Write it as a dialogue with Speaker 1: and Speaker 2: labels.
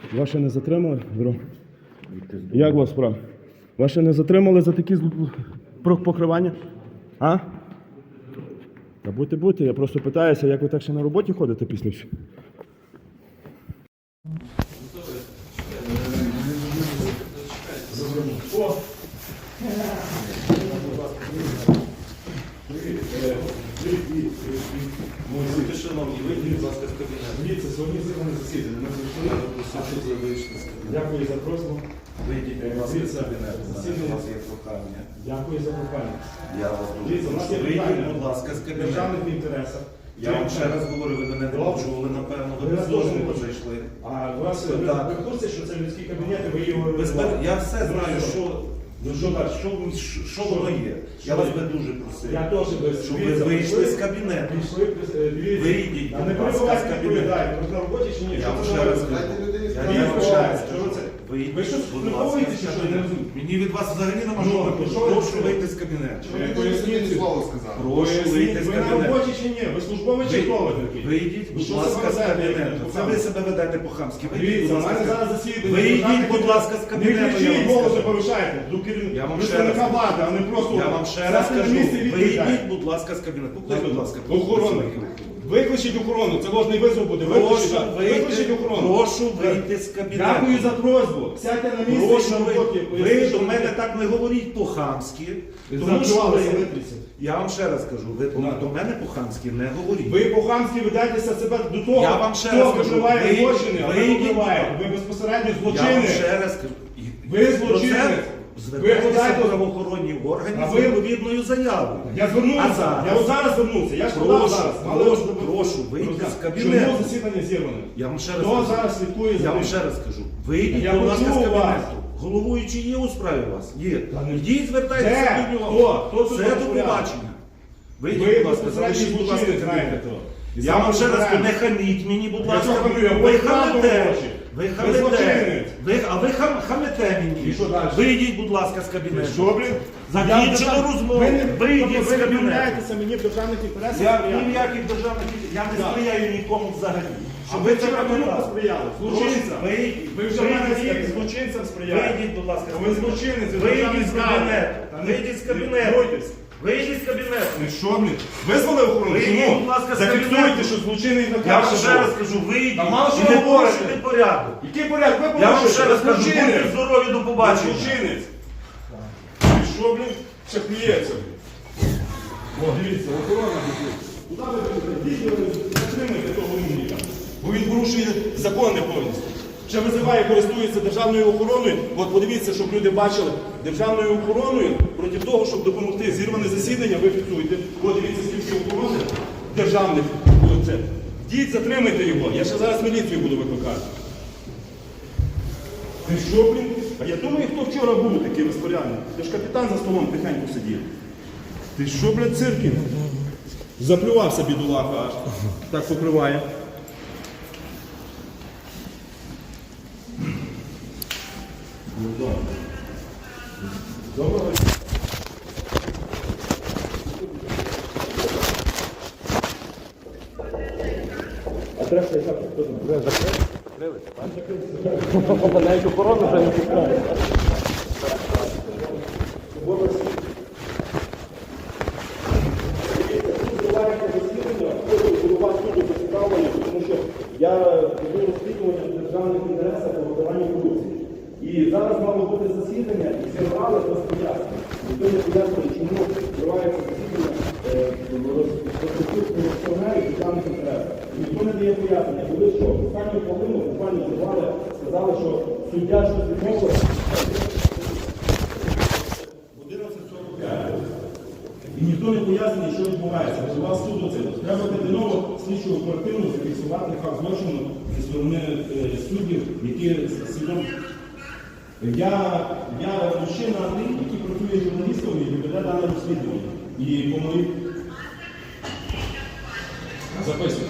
Speaker 1: Вас ще не затримали? Як вас справа? Вас ще не затримали за такі покривання? А? Та будьте, я просто питаюся, як ви так ще на роботі ходите після всього?
Speaker 2: Шановні, вийдіть, будь ласка, з кабінету.
Speaker 1: Дивіться, сьогодні зірване засідання. Ми Дякую за просьбу.
Speaker 2: Вийдіть, будь ласка, з кабінету. У вас є прохання.
Speaker 1: Дякую за прохання.
Speaker 2: Я вас дуже
Speaker 1: Дивіться, у нас є
Speaker 2: прошу. Вийдіть,
Speaker 1: питання
Speaker 2: будь ласка, з
Speaker 1: в
Speaker 2: кабінету.
Speaker 1: державних інтересах.
Speaker 2: Я вам ще раз говорю, ви мене не почули, напевно, ви без дозволу зайшли.
Speaker 1: А у вас ви в курсі, що це людські кабінети, ви його...
Speaker 2: Я все знаю, що воно є. Я вас би дуже просив,
Speaker 1: Я теж без...
Speaker 2: щоб ви вийшли з кабінету.
Speaker 1: Вийдіть,
Speaker 2: будь ласка, з кабінету.
Speaker 1: Ви на роботі чи ні?
Speaker 2: Я вам ще раз кажу.
Speaker 1: Ви що, приховуєте чи що? Я не розумію.
Speaker 2: Мені від вас взагалі нема що виходити. Прошу вийти з кабінету. Прошу вийти з
Speaker 1: Ви на
Speaker 2: кабінету.
Speaker 1: роботі чи ні? Ви службовий чи хто ви такий?
Speaker 2: Вийдіть, будь
Speaker 1: Що
Speaker 2: ласка, з
Speaker 1: це ви
Speaker 2: кабінету. Це ви себе ведете по-хамськи. Вийдіть,
Speaker 1: Дивіться,
Speaker 2: будь
Speaker 1: у мене
Speaker 2: ласка.
Speaker 1: зараз засідання.
Speaker 2: Вийдіть, будь ласка, з
Speaker 1: Не
Speaker 2: кабінету. я
Speaker 1: кричіть,
Speaker 2: вам
Speaker 1: голоси
Speaker 2: скажу.
Speaker 1: повишайте. До
Speaker 2: Я вам ще
Speaker 1: представника
Speaker 2: раз
Speaker 1: влади, а не просто...
Speaker 2: Я вам ще раз
Speaker 1: Сядьте на
Speaker 2: кажу,
Speaker 1: місце і відповідайте.
Speaker 2: вийдіть, будь ласка, з кабінету. Покличте, будь ласка.
Speaker 1: Охорону. Викличіть охорону, це ложний визов буде. Викличіть охорону.
Speaker 2: Прошу вийти з кабінету.
Speaker 1: Дякую за просьбу. Сядьте на місце і
Speaker 2: Прошу
Speaker 1: на роботі.
Speaker 2: ви до мене так не говоріть по-хамськи. Тому що
Speaker 1: Закривалися
Speaker 2: ви,
Speaker 1: витріться.
Speaker 2: я вам ще раз кажу, ви до мене по-хамськи не говоріть.
Speaker 1: Ви по-хамськи ведетеся себе до того,
Speaker 2: Я вам ще
Speaker 1: хто
Speaker 2: раз кажу,
Speaker 1: викриває
Speaker 2: ви-
Speaker 1: злочини, а ви
Speaker 2: вийдіть,
Speaker 1: викриваєте. Ви безпосередньо
Speaker 2: Я вам
Speaker 1: злочинець.
Speaker 2: ще раз кажу.
Speaker 1: Ви злочинець.
Speaker 2: Звертайтеся
Speaker 1: подайте-
Speaker 2: до правоохоронних органів
Speaker 1: А
Speaker 2: з
Speaker 1: ви-
Speaker 2: відповідною заявою.
Speaker 1: Я звернувся.
Speaker 2: А зараз?
Speaker 1: Я от зараз звернувся. Я ж подав зараз. Мали
Speaker 2: прошу, вийти з
Speaker 1: Чому
Speaker 2: кабінету.
Speaker 1: засідання зірване?
Speaker 2: Я вам ще раз
Speaker 1: Хто
Speaker 2: кажу.
Speaker 1: зараз слідкує за
Speaker 2: Я вам
Speaker 1: тим?
Speaker 2: ще раз кажу. Вийдіть,
Speaker 1: Я
Speaker 2: будь ласка, з
Speaker 1: почув вас.
Speaker 2: кабінету. Головуючий є у справі у вас? Є.
Speaker 1: Та не-
Speaker 2: Йдіть, звертайтеся
Speaker 1: Де?
Speaker 2: до нього.
Speaker 1: Хто тут
Speaker 2: Це до
Speaker 1: розпорядник?
Speaker 2: побачення.
Speaker 1: Ви
Speaker 2: Вийдіть, будь ласка,
Speaker 1: безпосередньо
Speaker 2: залишіть, будь ласка,
Speaker 1: злочинець, знаєте
Speaker 2: кабінет.
Speaker 1: то. І
Speaker 2: Я вам ще раз
Speaker 1: знаєте.
Speaker 2: не хаміть мені, будь
Speaker 1: Я
Speaker 2: ласка.
Speaker 1: що хамлю? Я
Speaker 2: Ви
Speaker 1: говорю правду
Speaker 2: хамите.
Speaker 1: в очі.
Speaker 2: Ви
Speaker 1: Ви
Speaker 2: хамите.
Speaker 1: злочинець.
Speaker 2: А ви хамите мені.
Speaker 1: І що далі?
Speaker 2: Вийдіть, будь ласка, з кабінету.
Speaker 1: Що, блін?
Speaker 2: Закінчили розмову. Вийдіть з
Speaker 1: Ви
Speaker 2: кабінету.
Speaker 1: відмовляєтеся мені в державних інтересах.
Speaker 2: Я
Speaker 1: сприяти.
Speaker 2: ні в яких державних я не
Speaker 1: Так.
Speaker 2: сприяю нікому взагалі.
Speaker 1: А
Speaker 2: Щоб
Speaker 1: ви
Speaker 2: ви це
Speaker 1: вчора кому
Speaker 2: пам'ятали.
Speaker 1: посприяли? Злочинцям.
Speaker 2: Вийдіть.
Speaker 1: Ви вже в мене
Speaker 2: Вийдіть.
Speaker 1: рік злочинцям сприяли.
Speaker 2: Вийдіть, будь ласка.
Speaker 1: Ви злочинець, ви
Speaker 2: Вийдіть
Speaker 1: державний
Speaker 2: з
Speaker 1: зрадник.
Speaker 2: кабінету.
Speaker 1: Та не-
Speaker 2: Вийдіть з
Speaker 1: не
Speaker 2: кабінету.
Speaker 1: бойтесь.
Speaker 2: Вийдіть з кабінету.
Speaker 1: Ну що, блін? Визвали охорону?
Speaker 2: Вийдіть,
Speaker 1: Чому?
Speaker 2: будь ласка, з
Speaker 1: Зафіксуйте,
Speaker 2: кабінету.
Speaker 1: що злочинний наказ.
Speaker 2: Я вам ще
Speaker 1: був.
Speaker 2: раз кажу, вийдіть.
Speaker 1: Та мало що
Speaker 2: і не
Speaker 1: ви говорите.
Speaker 2: порушуйте порядок.
Speaker 1: Який порядок? Ви
Speaker 2: Я вам
Speaker 1: порушуєте.
Speaker 2: ще раз кажу, будьте
Speaker 1: Злочинець.
Speaker 2: здорові, до побачення.
Speaker 1: Злочинець. І що, блін? Ще плюється, блін. О, дивіться, охорона. Куди ви будете? Затримайте того умника. Бо він порушує закони повністю. Ще визиває, користується державною охороною. От подивіться, щоб люди бачили. Державною охороною проти того, щоб допомогти зірване засідання, ви фіксуєте. От дивіться, скільки охорони державних. Оце. Діть, затримайте його. Я ще зараз міліцію буду викликати. Ти що, блін? А я думаю, хто вчора був такий розпорядник. Це ж капітан за столом тихенько сидів. Ти що, блядь, Циркін? Заплювався бідолаха аж. Так покриває. Доброго. Адреса яка? Хто знає?
Speaker 3: Навіть охорону вже не пускає.
Speaker 1: Тому що я веду розслідування в державних інтересах по виконанню корупції. І зараз мало бути засідання, і зірвали без пояснення. Ніхто не пояснює, чому зривається засідання корупціонерів в державних інтересах. Ніхто не дає пояснення. Коли що? Останню хвилину буквально зірвали, сказали, що суддя щось відмовив. 11:45. І ніхто не пояснює, що відбувається. Визивав суду це. Треба терміново слідчу оперативно зафіксувати факт злочину зі сторони суддів, які свідомо. Я мужчина Андрій, який працює журналістом і веде дане розслідування. І по моїй... Записуйте.